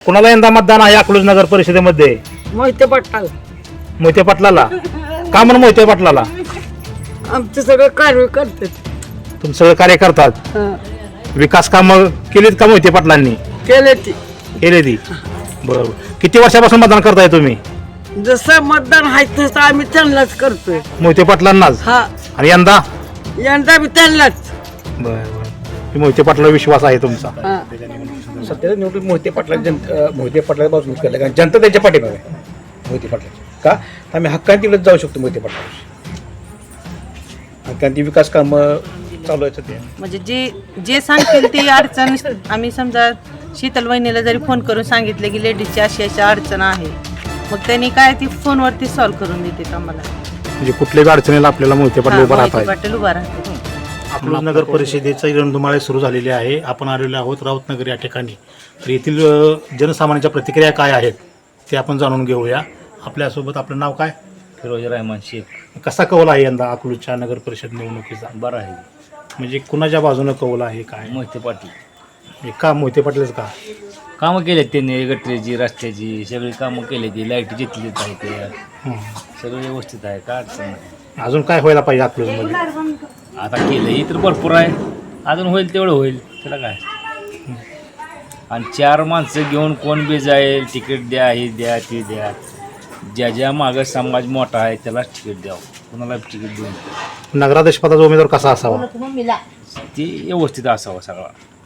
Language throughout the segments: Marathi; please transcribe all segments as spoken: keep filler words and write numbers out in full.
कुणाला यंदा मतदान आहे अकलूज नगर परिषदेमध्ये? मोहिते पाटलाल. मोहिते पाटलाला. का म्हणून मोहिते पाटलाला? आमचं सगळं कार्य करतात. तुम्ही सगळं कार्य करतात. विकास कामं केलीत का मोहिते पाटलांनी? केले ती केले ती. बरोबर. किती वर्षापासून मतदान करताय तुम्ही? जसं मतदान आहे तसं आम्ही त्यांनाच करतोय. मोहिते पाटलांनाच. हा, आणि यंदा? यंदा बी त्यांनाच. बरं बरं. मोहिते पाटलावर विश्वास आहे तुमचा? हा. सध्याला निवडणूक मोहिते पाटला जनता मोहिते पाटला बाजून केलं कारण जनता त्यांच्या पाठीमागे आहे मोहिते पाटलाची. का आम्ही हक्काने तिकडे जाऊ शकतो मोहिते पाटलाशी. हक्काने विकास कामं चालू आहेत सध्या. म्हणजे जे जे सांगतील ती अडचण आम्ही समजा शीतल वहिनीला जरी फोन करून सांगितले की लेडीजची अशी अशी अडचण आहे, मग त्यांनी काय ती फोनवरती सॉल्व्ह करून देते आम्हाला. म्हणजे कुठल्याही अडचणीला आपल्याला मोहिते पाटील उभा राहत आहे. पाटील उभा राहते. अकलूज नगर परिषदेचे रणधुमाळे सुरू झालेले आहे. आपण आलेलो आहोत राऊतनगर या ठिकाणी. तर येथील अ, जनसामान्यांच्या प्रतिक्रिया काय आहेत ते आपण जाणून घेऊया. आपल्यासोबत आपलं नाव काय? फिरोज रहमान शेख. कसा कौल आहे यंदा अकलूजच्या नगर परिषद निवडणुकीचा? बरं आहे. म्हणजे कुणाच्या बाजूनं कौल आहे काय? मोहिते पाटील. म्हणजे का मोहिते पाटीलच का? कामं केलेत त्यांनी, गटरीची रस्त्याची सगळी कामं केली. ती लाईट घेतलीच आहे ते हं. सगळं व्यवस्थित आहे, काय अडचण नाही. अजून काय व्हायला पाहिजे अकलूजमध्ये? आता केलंही तर भरपूर आहे, अजून होईल तेवढं होईल, त्याला काय. आणि चार माणसं घेऊन कोण बी जाईल, तिकीट द्या, हे द्या, ते द्या. ज्या ज्या मागं समाज मोठा आहे त्यालाच तिकीट द्यावं, कुणाला तिकीट देऊन. नगराध्यक्ष पदाचा उमेदवार कसा असावा? ते व्यवस्थित असावं, सगळा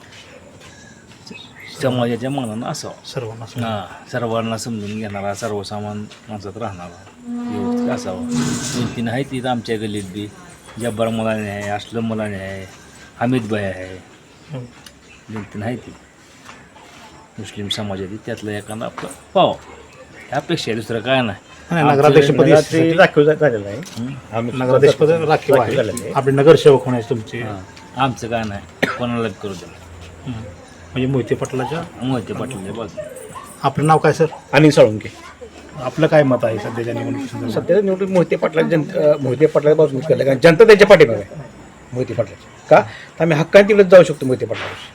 समाजाच्या मनानं असावं. सर्वांना हां, सर्वांना समजून घेणारा, सर्वसामान माणसात राहणारा व्यवस्थित असावं. दोन तीन आहेत तिथं आमच्या गल्लीत बी. जब्बार मुलाने आहे, असलम मुलाने आहे, हमीद भाई आहे. दोन तीन आहे ती मुस्लिम समाजातील, त्यातलं एखादा आपलं पाव यापेक्षा दुसरं काय नाही. नगराध्यक्ष पदी ते राखीव झा- झालेलं आहे. आम्ही नगराध्यक्ष पद राखीव राखीव झालेलं आहे. आहे. आपले नगरसेवक होण्याचे तुमचे. हां, आमचं काय नाही, कोणाला करू द्या. हं. म्हणजे मोहिते पाटलाच्या. मोहिते पाटील बाजू. आपलं नाव काय सर? अनिल साळुंके. आपलं काय मत आहे सध्याच्या निवडणुकीत? सध्याला निवडणूक मोहिते पाटला जनता मोहिते पाटला बाजून केलं कारण जनता त्यांच्या पाठीमागे आहे मोहिते पाटलाची. का आम्ही हक्काने तिकडे जाऊ शकतो मोहिते पाटलाशी.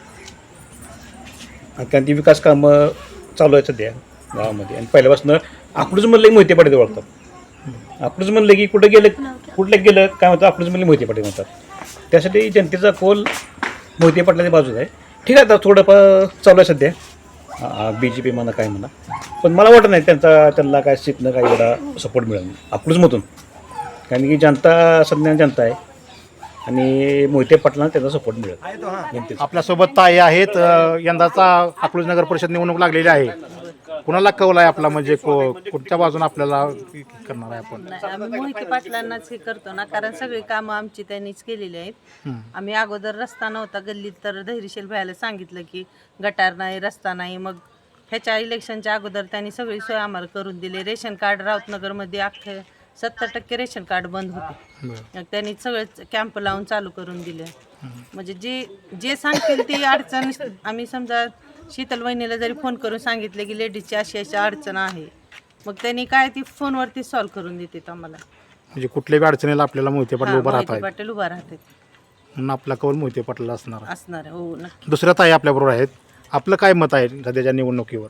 हक्काने विकास कामं चालू आहेत सध्या गावामध्ये. आणि पहिल्यापासून अकलूज म्हणलं की मोहिते पाटील ओळखतात. अकलूज म्हणलं की कुठं गेलं कुठलं गेलं काय म्हणतं, अकलूज म्हणले मोहिते पाटील म्हणतात. त्यासाठी जनतेचा कौल मोहिते पाटलाच्या बाजूला आहे. ठीक आहे, आता थोडंफार चालू आहे सध्या बी जे पी म्हणा काय म्हणा, पण मला वाटत नाही त्यांचा त्यांना काय सीटनं काही एवढा सपोर्ट मिळेल अकलूजमधून. कारण की जनता सध्या जनता आहे आणि मोहिते पाटलांना त्याचा सपोर्ट मिळेल जनतेचा. आपल्यासोबत ताई आहेत. अ, यंदाचा अकलूज नगर परिषद निवडणूक लागलेली आहे. कुणाला कौल आहे आपला? म्हणजे को- कुठच्या बाजूने आपल्याला करणार आहे आपण? नाही, आम्ही मोहिते पाटलांनाच हे करतो ना, कारण सगळी कामं आमची त्यांनीच केलेली आहेत. हं. आम्ही अगोदर रस्ता नव्हता गल्लीत, तर धैर्यशील भायला सांगितलं की गटार नाही, रस्ता नाही. मग ह्याच्या इलेक्शनच्या अगोदर त्यांनी सगळी सोय आम्हाला करून दिली. रेशन कार्ड राऊतनगरमध्ये अख्खे सत्तर टक्के रेशन कार्ड बंद होते. मग त्यांनी सगळे कॅम्प लावून चालू करून दिले. म्हणजे जे जे सांगतील ती अडचण आम्ही समजा शीतल वहिनीला जरी फोन करून सांगितले की लेडीजची अशी अशी अडचण आहे, मग त्यांनी काय ती फोनवरती सॉल्व्ह करून देते आम्हाला. म्हणजे कुठल्याही अडचणीला आपल्याला मोहिते पाटील हां, उभा राहत मोहिते आहे. पाटील उभा राहते म्हणून आपला कौल मोहिते पाटील असणार आहे. असणार आहे. हो, नक्की. दुसऱ्या ताई आपल्याबरोबर आहेत. आपलं काय मत आहे सध्याच्या निवडणुकीवर?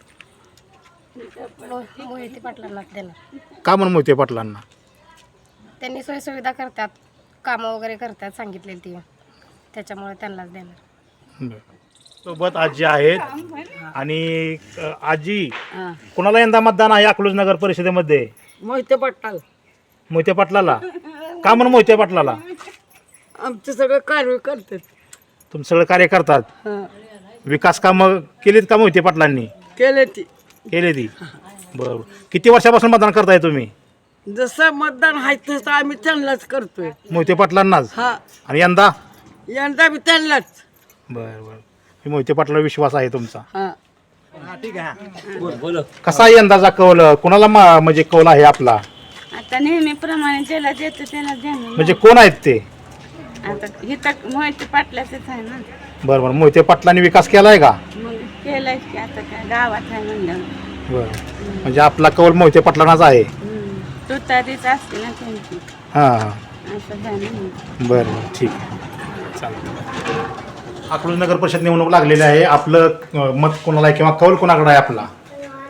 मोहिते पाटलांना देणार. का म्हणून मोहिते पाटलांना? त्यांनी सोयीसुविधा करतात, कामं वगैरे करतात सांगितलेली ती, त्याच्यामुळे त्यांनाच देणार. बरं. सोबत आजी आहेत. आणि अ, आजी, कुणाला यंदा मतदान आहे अकलूज नगर परिषदेमध्ये? मोहिते पाटलाल. मोहिते पाटलाला. का म्हणून मोहिते पाटलाला? आमचं सगळं कार्य करतात. तुम्ही सगळं कार्य करतात. हा, विकास कामं केलीत का मोहिते पाटलांनी? केले ती केले ती. बरोबर. किती वर्षापासून मतदान करताय तुम्ही? जसं मतदान आहे तसं आम्ही त्यांनाच करतोय. मोहिते पाटलांनाच. हा, आणि यंदा? यंदा बी त्यांनाच. बरं बरं. मोहिते पाटलावर विश्वास आहे तुमचा. हा, बोलो. कसा आहे यंदाचा कौल? कुणाला मा- म्हणजे कौल आहे आपला? आता नेहमीप्रमाणे ज्याला देतो त्याला देणार. म्हणजे कोण आहेत ते? आता इथं मोहिते पाटलाचंच आहे ना, बरं बरं. मोहिते पाटलांनी विकास केलाय का? मग केलंय की आता काय गावात आहे म्हणलं. बरं. म्हणजे आपला कौल मोहिते पाटलांनाच आहे. तू तरीच असते ना त्यांची, हां हां. असं झालं. बरं बरं, ठीक आहे, चालेल. अकलूज नगर परिषद निवडणूक लागलेली आहे. आपलं अ, मत कोणाला आहे किंवा कौल कोणाकडे आहे आपला?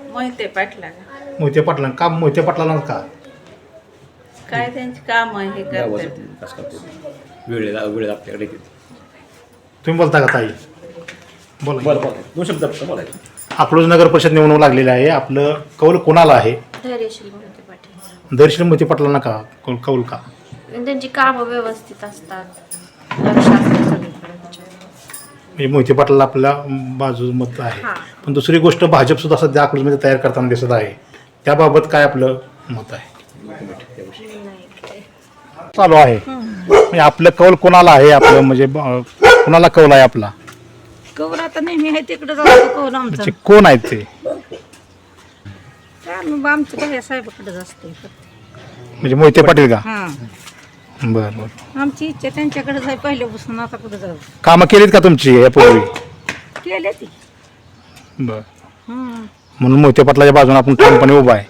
मोहिते पाटला मोहिते पाटला का मोहिते पाटलांना का काय त्यांची काम हे गावाचं करतात विकास करतो वेळेला वेळेला आपल्याकडे येते. तुम्ही बोलता का ताई बोला बरं बरं दोन शब्द फक्त बोलायचं. अकलूज नगर परिषद निवडणूक लागलेली आहे. आपलं कौल कोणाला आहे? धैर्यशील मोहिते पाटील. दर्शन मोहिते पाटलांना का कौल कौल का? त्यांची कामं व्यवस्थित असतात, लक्ष असतं सगळीकडे त्याच्यावर. म्हणजे मोहिते पाटलाला आपल्या बाजू मत आहे. हां. पण दुसरी गोष्ट भाजप सुद्धा सध्या अकलूजमध्ये तयार करताना दिसत आहे. त्याबाबत काय आपलं मत आहे? चालू आहे म्हणजे आपलं कौल कोणाला आहे? आपलं म्हणजे ब- कोणाला कौल आहे आपला? कवर आता नेहमी आहे तिकडे जातो कवर आमचा म्हणजे कोण आहेत ते? आमच्या भैया साहेबाकडेच असते म्हणजे मोहिते पाटील का? हा बरं बरं. आमची इच्छा त्यांच्याकडेच आहे पहिल्यापासून. आता कुठे जाऊ कामं केलीत का तुमची यापूर्वी? केले ती बरं म्हणून मोहिते पाटलाच्या बाजूने आपण ठामपणे उभा आहे.